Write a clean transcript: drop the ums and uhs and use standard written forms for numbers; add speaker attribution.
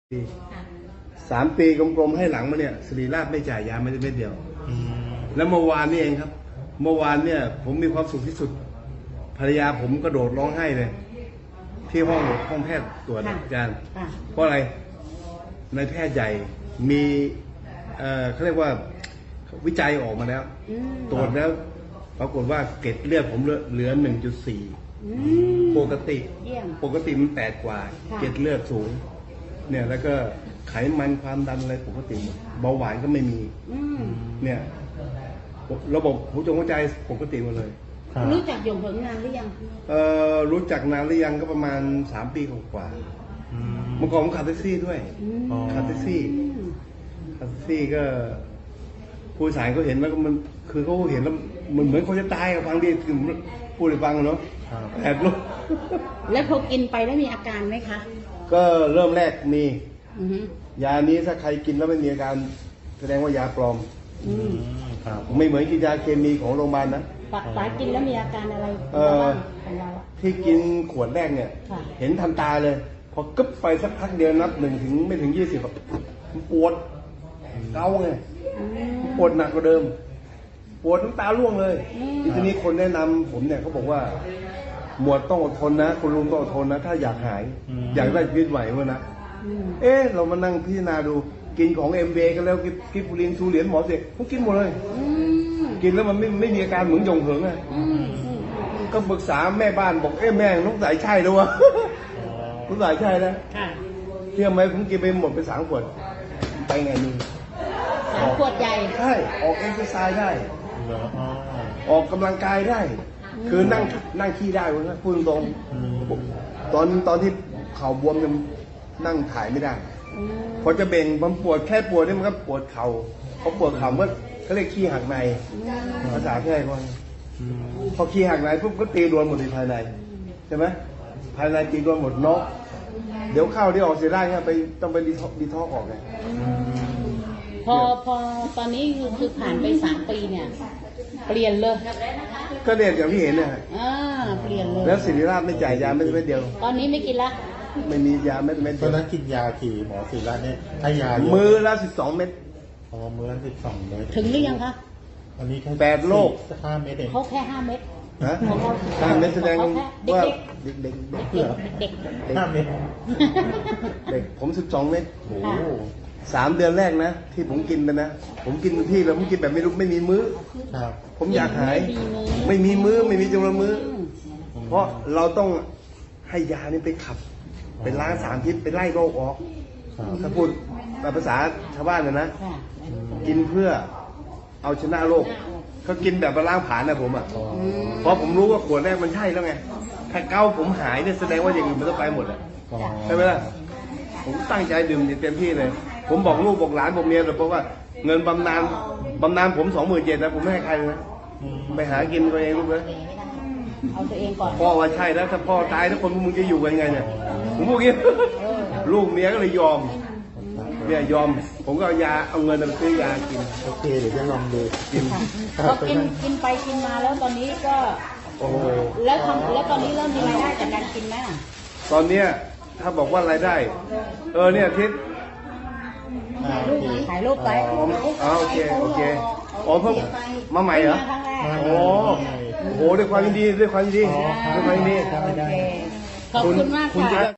Speaker 1: 3 ปีกลมๆให้หลังมาเนี่ยศิริราชไม่จ่ายยาไม่ได้เม็ดเดียวแล้วเมื่อวานนี่เองครับเมื่อวานเนี่ยผมมีความสุขที่สุดภรรยาผมกระโดดร้องไห้เลยที่ห้องแพทย์ตรวจอาจารย์เพราะอะไรนายแพทย์ใหญ่มีเขาเรียกว่าวิจัยออกมาแล้วตรวจแล้วปรากฏว่าเกล็ดเลือดผมเหลือ 1.4 ปกติมัน8 กว่าเกล็ดเลือดสูงเนี่ยแล้วก็ไขมันความดันอะไรปกติหมดเบาหวานก็ไม่มีเนี่ยระบบหัวใจปกติหมดเลย
Speaker 2: รู้จักหยงเหิงนานหรือยัง
Speaker 1: รู้จักนานหรือยังก็ประมาณ3 ปีกว่าเมื่อก่อนผมขับแท็กซี่ด้วยขับแท็กซี่ก็ผู้โดยสารเขาเห็นแล้วมันคือเขาเห็นแล้วมันเหมือนเขาจะตายกับฟังดีคือพูดให้ฟังเนาะแอบรู้
Speaker 2: แล้วพอกินไปแล้วมีอาการไหมคะ
Speaker 1: ก็เริ่มแรกมียานี้ถ้าใครกินแล้วไม่มีอาการแสดงว่ายาปลอมไม่เหมือนกินยาเคมีของโรงพยาบาลนะ
Speaker 2: ป๋ากินแล้วมีอาการอะไร
Speaker 1: ที่กินขวดแรกเนี่ยเห็นทันตาเลยพอกึ๊บไปสักพักเดียวนับ1 ถึงไม่ถึง 20มันปวดเกาไงปวดหนักกว่าเดิมปวดน้ำตาร่วงเลยทีนี้คนแนะนำผมเนี่ยเขาบอกว่าหมวดต้องอดทนนะคุณลุงต้องอดทนนะถ้าอยากหายอยากได้ชีวิตไหววะนะเรามานั่งพิจารณาดูกินของMVกันแล้วกิฟฟูลินทูเหรียญหมอเสกผมกินหมดเลยกินแล้วมันไม่มีอาการเหมือนหยงเหิงอ่ะก็ปรึกษาแม่บ้านบอกแม่ต้องใส่ใช่ด้วยวะต้องใส่ใช่นะเที่ยงไหมผมกินไปหมดไป3 ขวดไปไงนี่
Speaker 2: 3 ขวดใหญ่
Speaker 1: ใช่ออกเอ็กซ์ไซส์ได้ออกกำลังกายได้คือนั่งขี้ได้วะนะพูดตรงตอนที่เข่าบวมยังนั่งถ่ายไม่ได้พอจะเบ่งมันปวดแค่ปวดนี่มันก็ปวดเข่าเขาปวดเข่าก็เขาเรียกขี้หักในภาษาแค่ก่อนพอขี้หักในปุ๊บก็ตีรวนหมดในภายในใช่ไหมภายในตีรวนหมดเนาะเดี๋ยวเข้าที่ออกเสียได้ครับไปต้องไปดีท็อกออกไง
Speaker 2: พอตอนนี้คือผ่านไป3 ปีเนี่ยเปลี่ยนเลย
Speaker 1: ก็เรียนอย่างที่เห็นเนี่ย
Speaker 2: เปลี่ยนเลย
Speaker 1: แล้วศิริราชไม่จ่ายยาไม่ได้เดียว
Speaker 2: ตอนนี้ไม่กินละ
Speaker 1: ไม่มียาเม็ด
Speaker 3: ตอนนั้นกินยากี่หมอศิริราชเนี่ยให้ยา
Speaker 1: มือละ12 เม็ด
Speaker 3: มือละ12 เม็ด
Speaker 2: ถึงหรือยังคะ
Speaker 3: อันนี้แค่
Speaker 1: 8 โรค
Speaker 3: 5 เม็ดเอง
Speaker 2: เขาแค่5 เม็ด
Speaker 1: 5 เม็ดแสดงว่าเด็ก
Speaker 3: 5 เม็ด
Speaker 1: เด็กผม12 เม็ดโอ้3 เดือนแรกนะที่ผมกินไปนะผมกินที่แล้วผมกินแบบไม่มีมื้อผมอยากหายไม่มีมื้อไม่มีจำนวนมื้อเพราะเราต้องให้ยานี่ไปขับเป็นล้างสารพิษไปไล่โรคออกถ้าพูดภาษาชาวบ้านนะกินเพื่อเอาชนะโรคเขากินแบบล้างผ่านนะผมอ่ะเพราะผมรู้ว่าขวดแรกมันใช่แล้วไงถ้าเกาผมหายเนี่ยแสดงว่าอย่างอื่นมันต้องไปหมดอ่ะใช่ไหมล่ะผมตั้งใจดื่มเต็มที่เลยผมบอกลูกบอกหลานบอกเมียเลยเพราะว่าเงินบำนาญผม27,000นะผมไม่ให้ใครนะไปหากินตัวเองลูกเลย
Speaker 2: เอาตัวเองก่อน
Speaker 1: พ่อว่าใช่แล้วถ้าพ่อตายถ้าคนมึงจะอยู่กันไงเนี่ยผมพูดงี้ลูกเมียก็เลยยอมเนี่ยยอมผมก็เอาเงินไปซื้อยากิน
Speaker 3: โอเคเดี๋ยวจะลองดู
Speaker 1: กิน
Speaker 2: พอกินไปกินมาแล้วตอนนี้ก็แล้วตอนนี้เริ่มมีรายได้จากการกินไหม
Speaker 1: ตอนเนี้ยถ้าบอกว่ารายได้เนี่ยทิศ
Speaker 2: ถ่ายรูปไป
Speaker 1: โอเคเพิ่งมาใหม่เหรอโอ้โหด้วยความยินดี
Speaker 2: ขอบคุณมากค่ะ